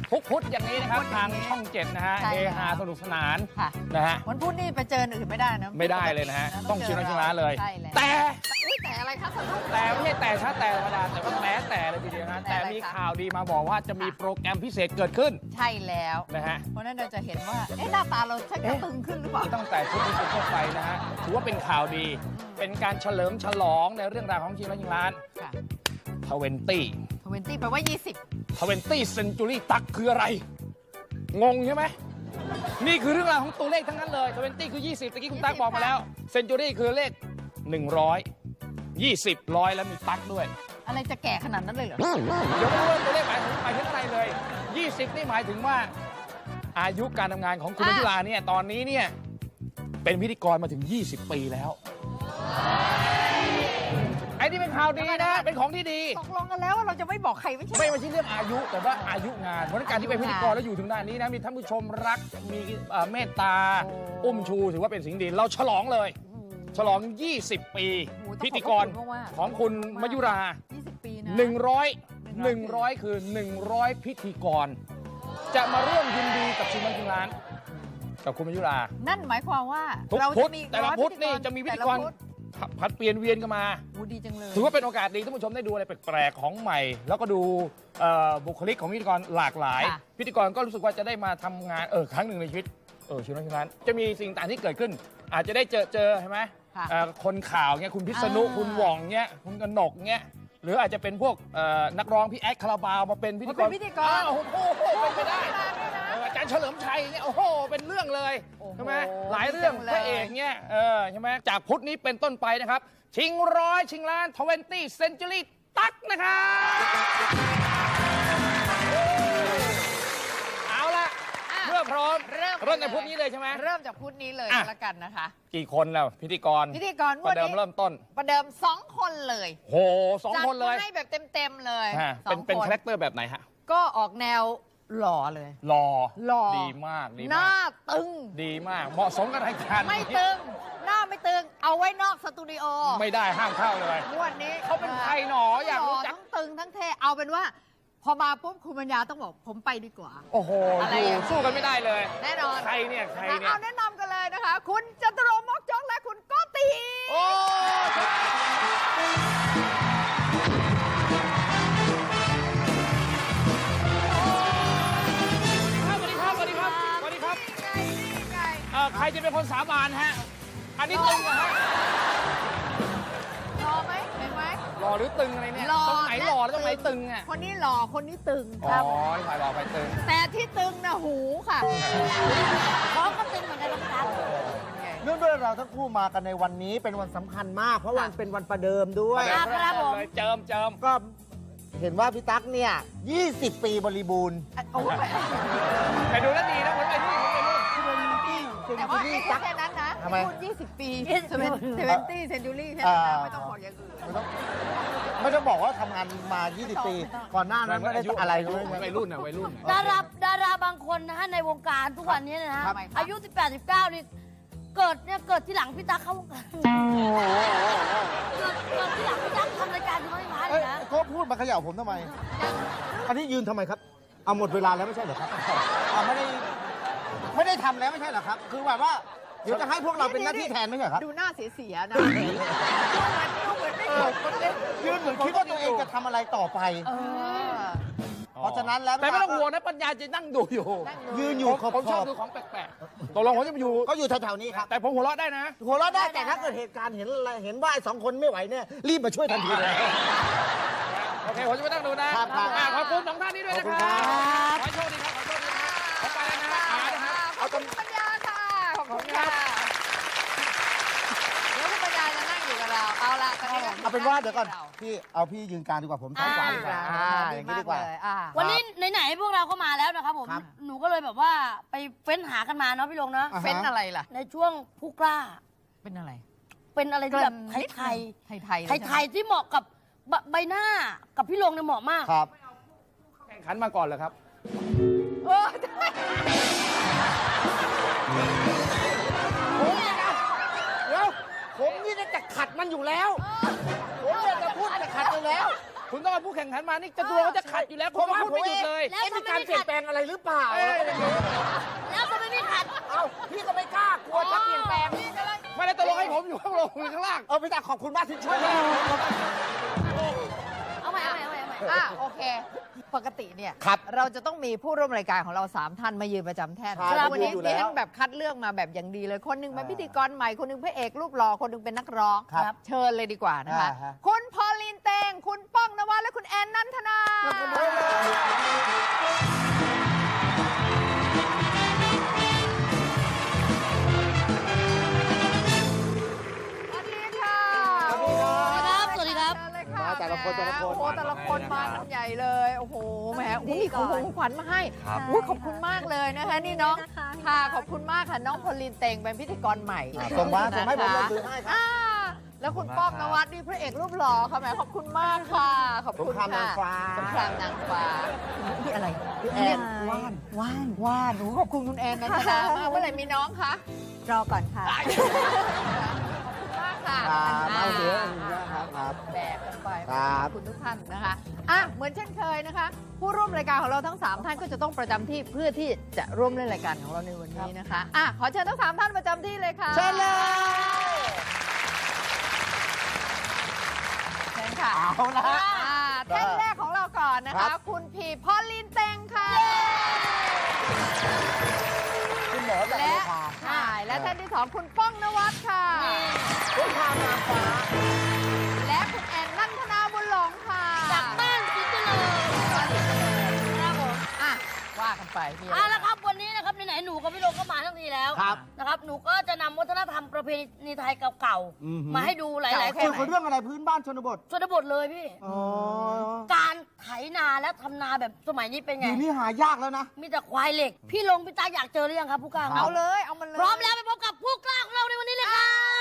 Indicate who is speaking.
Speaker 1: ทุกพุธอย่างนี้นะครับทางช่อง7นะฮะเฮฮาสนุกสนานนะฮะ
Speaker 2: วันพุธนี่ไปเจออื่นไม่ได้นะ
Speaker 1: ไม่ได้เลยนะฮะต้องชิมร้านเลยแต่
Speaker 2: อะไรครับ
Speaker 1: แต่ไม่ใช่แต่ชาแต่ธรรมดาแต่ว่าแต่เลยทีเดียวนะแต่มีข่าวดีมาบอกว่าจะมีโปรแกรมพิเศษเกิดขึ้น
Speaker 2: ใช่แล้ว
Speaker 1: นะฮะ
Speaker 2: เพราะนั้นเราจะเห็นว่าหน้าตาเราชักจะตึงขึ้นหรือเปล่า
Speaker 1: ตั้งแต่ชุดนี้เป็นต้นไปนะฮะถือว่าเป็นข่าวดีเป็นการเฉลิมฉลองในเรื่องราวของชิมร้าน
Speaker 2: 20แปลว่า
Speaker 1: 20 Century ตักคืออะไรงงใช่ไหมนี่คือเรื่องราวของตัวเลขทั้งนั้นเลย20คือ20ตะกี้คุณตั๊กบอกมาแล้ว Century คือเลข100 20 100แล้วมีตั๊กด้วย
Speaker 2: อะไรจะแก่ขนาดนั้นเลยเหรอ
Speaker 1: เดี๋ยวไม่รู้ว่าตัวเลขหมายถึงอะไรเลย20นี่หมายถึงว่าอายุการทำงานของคุณพิลาเนี่ยตอนนี้เนี่ยเป็นพิธีกรมาถึง20 ปีแล้วไอ้นี่เป็นข่าวดีนะเป็นของที่ดี
Speaker 2: ตกลงกันแล้วว่าเราจะไม่บอกใครไม่ใช่
Speaker 1: ใช่เรื่องอายุแต่ว่าอายุงานเพราะการที่เป็นพิธีกรแล้วอยู่ถึงด้านนี้นะมีท่านผู้ชมรักมีเมตตาอุ้มชูถือว่าเป็นสิ่งดีเราฉลองเลยฉลอง20 ปีพิธีกรของคุณมยุรา
Speaker 2: 20 ปีนะ
Speaker 1: 100คือ100พิธีกรจะมาร่วมยินดีกับชิมร้านกับคุณมยุรา
Speaker 2: นั่นหมายความว่า
Speaker 1: เราจะมีแต่ละพุธนี่จะมีพิธีกรผัดเปลี่ยนเวียนกันมา
Speaker 2: ดีจังเลย
Speaker 1: ถือว่าเป็นโอกาสดีท่านผู้ชมได้ดูอะไรแปลกๆของใหม่แล้วก็ดูบุคลิกของพิธีกรหลากหลายพิธีกรก็รู้สึกว่าจะได้มาทำงานครั้งหนึ่งในชีวิตชิมร้านจะมีสิ่งต่างที่เกิดขึ้นอาจจะได้เจอใช่ไหมคนข่าวเงี้ยคุณพิษณุคุณหว่องเงี้ยคุณกนกเงี้ยหรืออาจจะเป็นพวกนักร้องพี่แอดคาราบาวมาเป็นพิธีกรโอ้โหเป็นไปได้อาจารย์เฉลิมชัยเนี่ยโอ้โหเป็นเรื่องเลยใช่ไหมหลายเรื่องพระเอกเนี่ยใช่ไหมจากพุธนี้เป็นต้นไปนะครับชิงร้อยชิงล้าน20 Century ตั๊กนะครับเอาละเมื่อพร้อมเริ่มในพุธนี้เลยใช่ไหม
Speaker 2: เริ่มจากพุธนี้เลยแล้วกันนะคะ
Speaker 1: กี่คนแล้วพิธีกรประเดิมเริ่มต้น
Speaker 2: ประเดิม2 คนเลย
Speaker 1: โห2 คนเลย
Speaker 2: ให้แบบเต็มเลย
Speaker 1: เป็นคาแรคเตอร์แบบไหนฮะ
Speaker 2: ก็ออกแนวหล่อเลย
Speaker 1: หล่อดีมาก
Speaker 2: หน้าตึง
Speaker 1: ดีมากเหมาะสมกับรายการ
Speaker 2: ไม่ตึงหน้าไม่ตึงเอาไว้นอกสตูดิโอ
Speaker 1: ไม่ได้ห้ามเข้าเลย
Speaker 2: วันนี้
Speaker 1: เขาเป็นใครหนออยากรู้จัก
Speaker 2: ทั้งตึงทั้งเท่เอาเป็นว่าพอมาปุ๊บคุณปัญญาต้องบอกผมไปดีกว่า
Speaker 1: โอ้โหสู้กันไม่ได้เลย
Speaker 2: แน่นอน
Speaker 1: ใครเนี่ย
Speaker 2: เอาแนะนำกันเลยนะคะคุณจตุรงค์มกจกและคุณโกติ
Speaker 1: โอ้ใครจะเป็นคนสาบานฮะอันนี้ตึงเหรอฮะ
Speaker 2: รอไหมเห็นไหม
Speaker 1: หล่อหรือตึงอะไรเนี่ยตรงไหนหล่อแล้วตรงไหนตึงอ่ะ
Speaker 2: คนนี้หล่อคนนี้ตึงครับ
Speaker 1: อ๋อฝ่ายหล่อฝ่ายตึง
Speaker 2: แต่ที่ตึงนะหูค่ะเขาก็ตึงเหมือนกันนะครับ
Speaker 3: เนื่องด้วยเราทั้งคู่มากันในวันนี้เป็นวันสำคัญมากเพราะวันเป็นวันประเดิมด้วย
Speaker 1: ครับผมเจิม
Speaker 3: ก็เห็นว่าพี่ตั๊กเนี่ย20 ปีบริบูรณ์
Speaker 1: ไปดูแล้วดีนะผมไปดู
Speaker 2: แต่ว่าแค่นั้นนะพูด20 ปี20 Century แค่นั้นไม่ต้องบอกอย่างอื่น
Speaker 3: ไม่ต้องบอกว่าทำงานมา20 ปีก่อนหน้านั้นไม่ได้อะไรเลย
Speaker 1: วัยรุ่น
Speaker 4: ดาราบางคนนะฮะในวงการทุกวันนี้นะฮะอายุ18 19นี่เกิดที่หลังพี่ตั๊กเข้าวงการเกิดที่หลังพี่ตั๊กทำรายการที่ไม่มาเลยนะ
Speaker 3: ก็พูดมาเขย่าผมทำไมอันนี้ยืนทำไมครับเอาหมดเวลาแล้วไม่ใช่เหรอครับไม่ได้ทำแล้วไม่ใช่เหรอครับคือแบบว่าเดี๋ยวจะให้พวกเราเป็นหน้าที่แทนไม่ใช่ครับ
Speaker 2: ดูหน้าเสียๆนะดูเหมือนไม่จบ
Speaker 3: ยืนเหมือนคิดว่าตัวเองจะทำอะไรต่อไปเพราะฉะนั้นแล้ว
Speaker 1: แต่ไม่ต้องห่วงนะปัญญาจะนั่งดูอยู่
Speaker 3: ยืนอยู่
Speaker 1: ผมชอบดูของแปลกๆตกลงผมจะอยู่
Speaker 3: ก็อยู่แถวๆนี้ครับ
Speaker 1: แต่ผมหัวเราะได้นะ
Speaker 3: หัวเราะได้แต่ถ้าเกิดเหตุการณ์เห็นว่า2 คนไม่ไหวเนี่ยรีบมาช่วยทันทีเลย
Speaker 1: โอเคผมจะไม่ต้องดูนะขอบคุณ2 ท่านนี้ด้วยนะครับขอโชคดีครับขอไปแล้วนะ
Speaker 2: เอาคุณปัญญาค่ะขอบคุณค่ะเดี๋ยวคุณปัญญาจะนั่งอยู่กับเราเอาละตอนนี้
Speaker 3: เอาเป็นว่าเดี๋ยวก่อนพี่ยืนกลางดีกว่าผมซ้ายขวาดีกว่าอย่างนี้ดีกว่า
Speaker 4: วันนี้ไหนๆพวกเราก็มาแล้วนะครับผมหนูก็เลยแบบว่าไปเฟ้นหากันมาเนาะพี่ลงเนาะ
Speaker 2: เฟ้นอะไรล่ะ
Speaker 4: ในช่วงผู้กล้า
Speaker 2: เป็นอะไร
Speaker 4: ที่แบบไทยที่เหมาะกับใบหน้ากับพี่ลงเนี่ยเหมาะมาก
Speaker 3: ครับ
Speaker 1: แข่งขันมาก่อนเหรอครับ
Speaker 3: ผมนี่จะขัดมันอยู่แล้วผมจะพูดจะขัดอยู่แล้ว
Speaker 1: คุณต้องเอาผู้แข่งขันมานี่จะตัวเขาจะขัดอยู่แล้วคุณก็พูดไม่หยุดเลย
Speaker 4: แล้วทำ
Speaker 3: มี
Speaker 4: ไม
Speaker 3: การ
Speaker 4: ไม่
Speaker 3: เปลี่ย
Speaker 4: ขั
Speaker 3: น
Speaker 4: ด
Speaker 3: แปลงอะไรหรือเปล่า
Speaker 4: แล้วทำไมไม่ขัด
Speaker 3: เอ้าพี่ก็ไม่กล้ากลัวจะเปลี่ยนแปลง
Speaker 1: ไม่ได้ตกลงให้ผมอยู่ข้างบนคุณข้างล่าง
Speaker 3: พี่ตาขอบคุณมากที่ช่วย
Speaker 4: เอาใหม่
Speaker 2: โอเค ปกติเนี่ย
Speaker 3: ครับ
Speaker 2: เราจะต้องมีผู้ร่วมรายการของเรา 3 ท่านมายืนประจำแท่น
Speaker 3: ครับ
Speaker 2: วันนี้
Speaker 3: อยู่
Speaker 2: ดิ
Speaker 3: แล้ว
Speaker 2: ฉันแบบคัดเลือกมาแบบอย่างดีเลย คนหนึงเป็นพิธีกรใหม่ คนหนึงพระเอกรูปหล่อ คนหนึงเป็นนักร้อง
Speaker 3: ครับ
Speaker 2: เชิญเลยดีกว่านะคะ
Speaker 3: ฮะ
Speaker 2: คุณพอลลีนเตง คุณป้องนวัดและคุณแอนนันทนา สวัสดีค่ะ
Speaker 4: สวัสดีครับ
Speaker 2: เชิญเลยค่ะ
Speaker 3: มาแต่ละคนแต่ละคน
Speaker 2: โอ้โหแต่ละคนมากันใหญ่เลยโอ้โหแหมอุ้ยมีของขวัญมาให้อุ้ยขอบคุณมากเลยนะคะนี่น้องค่ะขอบคุณมากค่ะน้องพอลลีนเตงเป็นพิธีกรใหม่
Speaker 3: ส่งมาส่งให้ผม
Speaker 2: นะคะ
Speaker 3: ลงถือให้ครับ
Speaker 2: อ่าแล้วคุณป้องนวัดนี่พระเอกรูปหล่อค่ะแหมขอบคุณมากค่ะขอบ
Speaker 3: สง
Speaker 2: คุณ
Speaker 3: ครามนา
Speaker 2: ค่ะ
Speaker 3: งฟ้า
Speaker 2: สงครามนางฟ้าพี่อะไรพี่แอน
Speaker 5: ว่าน
Speaker 2: ว่านหนูขอบคุณคุณแอนนะจ๊ะมากเมื่อไหร่มีน้องคะ
Speaker 5: รอก่อนค่ะ
Speaker 2: ขอบคุณมากค่ะ
Speaker 3: เอาเดี๋ยวครับ
Speaker 2: แบกกันไป
Speaker 3: ครับ
Speaker 2: ขอบคุณทุกท่านนะคะเหมือนเช่นเคยนะคะ ผู้ร่วมรายการของเราทั้ง 3 ท่านก็จะต้องประจำที่เพื่อที่จะร่วมเล่นรายการของเราในวันนี้นะคะขอเชิญทั้ง 3 ท่านประจำที่เลยค่ะ
Speaker 3: เชิญเลย
Speaker 2: เชิญค่ะ
Speaker 3: เอาละฮะ
Speaker 2: แท่นแรกของเราก่อนนะ
Speaker 3: ครั
Speaker 2: คะ
Speaker 3: บ
Speaker 2: คุณพีพอลลินเตงค่ะ
Speaker 3: คุณหมอจาก
Speaker 2: และ
Speaker 3: โรงพยาบาล
Speaker 2: ใช่และท่านที่ 2 คุณป้องนวัดค่ะ
Speaker 3: สงครามนางฟ้า
Speaker 2: และคุณแอนนันทนาบุญหลงค่ะ
Speaker 4: จากบ้านสิงห์เจริญครับผม
Speaker 2: ว่ากันไปมีอะไร
Speaker 4: เอาละครับวันนี้นะครับไหนๆหนูกับพี่โลก็มาทั้งทีแล้ว
Speaker 3: ครับ
Speaker 4: นะครับหนูก็จะนำวัฒนธรรมประเพณีไทยเก่า
Speaker 3: อือหือ
Speaker 4: ๆมาให้ดูหลายๆค
Speaker 3: เกี่ยวน กับเรื่องอะไรพื้นบ้านชนบท
Speaker 4: ชนบทเลยพี่
Speaker 3: อ๋อ
Speaker 4: การไถนาและทำนาแบบสมัยนี้เป็นไง
Speaker 3: เดี๋ยวนี้หายากแล้วนะ
Speaker 4: มีแต่ควายเหล็ก พี่ลงพี่ตาอยากเจอหรือยังครับผู้กล้า
Speaker 2: เอาเลยเอามันเลย
Speaker 4: พร้อมแล้วไปพบกับผู้กล้าของเราในวันนี้เลยครับ